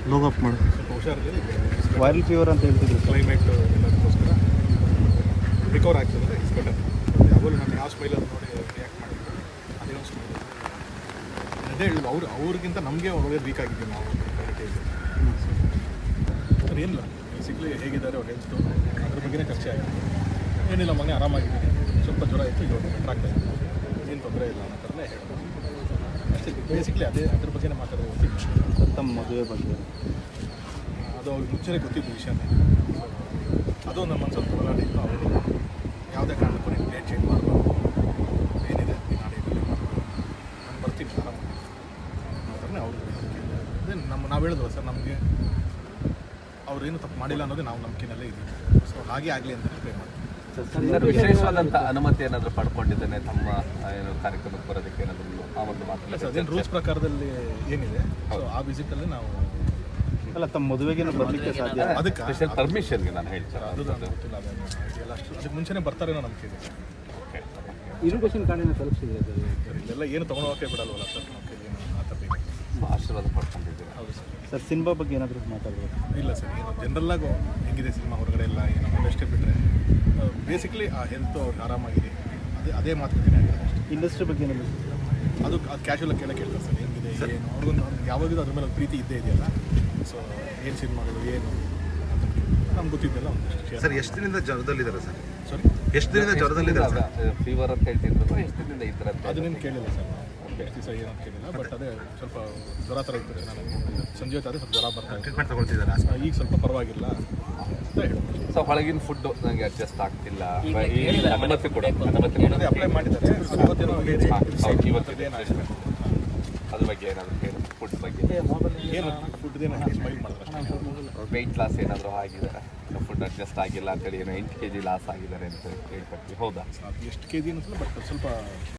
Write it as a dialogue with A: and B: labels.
A: ಲೋಗ್ up ಮಾಡು.
B: ಸ್ವಲ್ಪ ಹುಷಾರಿದೆ.
A: Viral fever ಅಂತ ಹೇಳ್ತಿದ್ರು.
B: ಕ್ಲೈಮೇಟ್ ಎಲ್ಲದಕ್ಕೋಸ್ಕರ ರಿಕವರ್ ಆಗ್ತದೆ. It's better. ಯಾವಾಗಲೂ ನಾನು ಯಾವ ಸ್ಮೈಲಲ್ಲಿ ನೋಡಿ ರಿಯಾಕ್ಟ್ ಮಾಡಿದ್ರು ಅದೇ ಒಂದು ಸ್ಮೈಲ್. ಅದೇ ಹೇಳಿದ್ರು ಅವ್ರಿಗಿಂತ ನಮಗೆ ಒಳ್ಳೆ ವೀಕ್ ಆಗಿದ್ದೀವಿ ನಾವು ಕ್ವಾಲಿಟಿಯಲ್ಲಿ. ಸರ್ ಏನಿಲ್ಲ, ಬೇಸಿಕ್ಲಿ ಹೇಗಿದ್ದಾರೆ ಅವ್ರ ಹೆಲ್ತು ಅದ್ರ ಬಗ್ಗೆನೇ ಚರ್ಚೆ ಆಗಿದೆ. ಏನಿಲ್ಲ, ಮೊನ್ನೆ ಆರಾಮಾಗಿದ್ದೀನಿ, ಸ್ವಲ್ಪ ಜ್ವರ ಇತ್ತು, ಇವಾಗ ಬೆಟರ್ ಆಗ್ತಾ ಇತ್ತು, ಏನು ತೊಂದರೆ ಇಲ್ಲ ಅನ್ನೋ ಥರನೇ ಹೇಳ್ಬೋದು ಅಷ್ಟೇ. ಬೇಸಿಕ್ಲಿ ಅದ್ರ ಬಗ್ಗೆನೇ ಮಾತಾಡೋದು ಗೊತ್ತಿತ್ತು.
A: ತಮ್ಮ ಮದುವೆ ಬಗ್ಗೆ
B: ಅದು ಅವ್ರಿಗೆ ಮುಂಚೆನೇ ಗೊತ್ತಿದ್ದು ವಿಷಯನೇ. ಅದು ನಮ್ಮ ಮನಸ್ಸಲ್ಲಿ ಹೋರಾಡಿತ್ತು. ಅವರು ಯಾವುದೇ ಕಾರಣಕ್ಕೂ ನೀವು ಡೇಟ್ ಚೇಂಜ್ ಮಾಡಬಾರ್ದು, ಏನಿದೆ ನಾಡಿನಲ್ಲಿ ಮಾಡಬಾರ್ದು, ನಾನು ಬರ್ತೀನಿ ಆರಾಮಾಗಿ ಅನ್ನೋ ಥರನೇ ಅವರು. ಅದೇ ನಾವು ಹೇಳಿದ್ವಲ್ಲ ಸರ್, ನಮಗೆ ಅವ್ರೇನು ತಪ್ಪು ಮಾಡಿಲ್ಲ ಅನ್ನೋದೇ ನಾವು ನಂಬಿಕೆನಲ್ಲೇ ಇದ್ದೀವಿ. ಸೊ ಹಾಗೆ ಆಗಲಿ ಅಂತ ಪ್ರೇ ಮಾಡ್ತೀವಿ.
C: ಸರ್, ವಿಶೇಷವಾದಂಥ ಅನುಮತಿ ಏನಾದರೂ ಪಡ್ಕೊಂಡಿದ್ದೇನೆ ತಮ್ಮ ಏನು ಕಾರ್ಯಕ್ರಮಕ್ಕೆ ಬರೋದಕ್ಕೆ ಏನಾದರೂ ಆ ಒಂದು ಮಾತು?
B: ಸರ್, ಅದೇನು ರೂಲ್ಸ್ ಪ್ರಕಾರದಲ್ಲಿ ಏನಿದೆ, ಸೊ ಆ ವಿಸಿಟಲ್ಲಿ ನಾವು
A: ಅಲ್ಲ ತಮ್ಮ ಮದುವೆಗೆ ಬರಲಿಕ್ಕೆ ಸಾಧ್ಯ.
B: ಅದಕ್ಕೆ
C: ಸ್ಪೆಷಲ್ ಪರ್ಮಿಷನ್ಗೆ ನಾನು ಹೇಳ್ತೀನಿ.
B: ಅದು ನನಗೆ ಗೊತ್ತಿಲ್ಲ, ಅದನ್ನು ಇದೆಲ್ಲ ಅಷ್ಟು ಅದಕ್ಕೆ ಮುಂಚೆನೇ ಬರ್ತಾರೇನೋ ನಂಬಿಕೆ ಇದೆ.
C: ಓಕೆ,
A: ಇರುಗೇಷನ್ ಕಾರ್ಡಿನ ತಲುಪಿಸಿದ್ರೆ
B: ಸರ್ ಇಲ್ಲೆಲ್ಲ ಏನು ತೊಗೊಳೋಕೆ ಬಿಡಲ್ವಲ್ಲ ಸರ್, ನಮ್ಮ ಕೈಲಿ ಆ ಥರ ಬೇಕು.
C: ಆಶೀರ್ವಾದ ಪಡ್ಕೊಂಡಿದ್ದೀರಾ?
B: ಹೌದು ಸರ್.
A: ಸರ್ ಸಿನಿಮಾ ಬಗ್ಗೆ ಏನಾದರೂ ಮಾತಾಡ್ಬೋದು?
B: ಇಲ್ಲ ಸರ್, ಏನು ಜನರಲ್ಲಾಗು ಹೆಂಗಿದೆ ಸಿನಿಮಾ ಹೊರಗಡೆ ಎಲ್ಲ ಏನು ಅಷ್ಟೇ ಬಿಟ್ಟರೆ ಬೇಸಿಕ್ಲಿ ಆ ಹೆಲ್ತ್ ಅವ್ರಿಗೆ ಆರಾಮಾಗಿದೆ, ಅದೇ ಮಾತುಕತೆ ಆಗಿದೆ ಅಷ್ಟೇ.
A: ಇಂಡಸ್ಟ್ರಿ ಬಗ್ಗೆ ಏನಾದರೂ
B: ಅದು ಕ್ಯಾಶುವಲಾಗಿ ಕೇಳ್ತಾರೆ ಸರ್, ಹೆಂಗಿದೆ ಏನು, ಅವ್ರಿಗೊಂದು ಯಾವಾಗಲೂ ಅದ್ರ ಮೇಲೆ ಒಂದು ಪ್ರೀತಿ ಇದ್ದೇ ಇದೆಯಲ್ಲ. ಸೊ ಏನು ಸಿನಿಮಾಗಳು ಏನು ಅಂತ ನಮ್ಗೆ ಗೊತ್ತಿದ್ದೆಲ್ಲ ಒಂದಷ್ಟು.
D: ಸರ್ ಎಷ್ಟು ದಿನದಿಂದ ಜ್ವರದಲ್ಲಿದ್ದಾರೆ ಸರ್?
B: ಸಾರಿ,
D: ಎಷ್ಟು ದಿನದಿಂದ ಜ್ವರದಲ್ಲಿದ್ದಾರೆ?
C: ಫೀವರ್ ಅಂತ ಹೇಳ್ತಿದ್ರು, ಎಷ್ಟು ದಿನದಿಂದ ಇದ್ರೆ ಅಂತ?
B: ಅದನ್ನೇನು ಕೇಳಿಲ್ಲ ಸರ್, ನಾವು ಎಷ್ಟು ದಿವಸ ಏನಂತ ಕೇಳಿಲ್ಲ. ಬಟ್ ಅದೇ ಸ್ವಲ್ಪ ಜ್ವರ ಥರ ಇರ್ತದೆ. ನಾನು ಸಂಜೆ ಹೊತ್ತು ಅದೇ ಸ್ವಲ್ಪ ಜ್ವರ ಬರ್ತಾ ಇತ್ತು.
D: ಟ್ರೀಟ್ಮೆಂಟ್ ತಗೊಳ್ತಿದ್ದಾರೆ?
B: ಈಗ ಸ್ವಲ್ಪ ಪರವಾಗಿಲ್ಲ ಅಂತ ಹೇಳ್ಬೋದು.
C: ಸೊ ಹೊಳಗಿನ ಫುಡ್ಡು ನನಗೆ ಅಡ್ಜಸ್ಟ್ ಆಗ್ತಿಲ್ಲ, ಅನುಮತಿ ಕೊಡಿ,
B: ಅದೇ ಅಪ್ಲೈ ಮಾಡಿದ್ದಾರೆ. ಇವತ್ತೇನೋ
C: ಇವತ್ತು ಅದ್ರ ಬಗ್ಗೆ ಏನಾದರೂ ಹೇಳಿ, ಫುಡ್ ಬಗ್ಗೆ
B: ಏನು ಫುಡ್ದೇನೋ ಸ್ಮೈಲ್ ಮಾಡಿದ್ರೆ
C: ವೆಯ್ಟ್ ಲಾಸ್ ಏನಾದರೂ ಆಗಿದ್ದಾರೆ, ಫುಡ್ ಅಡ್ಜಸ್ಟ್ ಆಗಿಲ್ಲ ಅಂತೇಳಿ ಏನೋ 8 kg ಲಾಸ್ ಆಗಿದ್ದಾರೆ ಅಂತ ಹೇಳ್ಕೊಡ್ತೀವಿ, ಹೌದಾ?
B: ಅದು ಎಷ್ಟು ಕೆ ಜಿ ಅನ್ನಿಸಲ್ಲ, ಬಟ್ ಸ್ವಲ್ಪ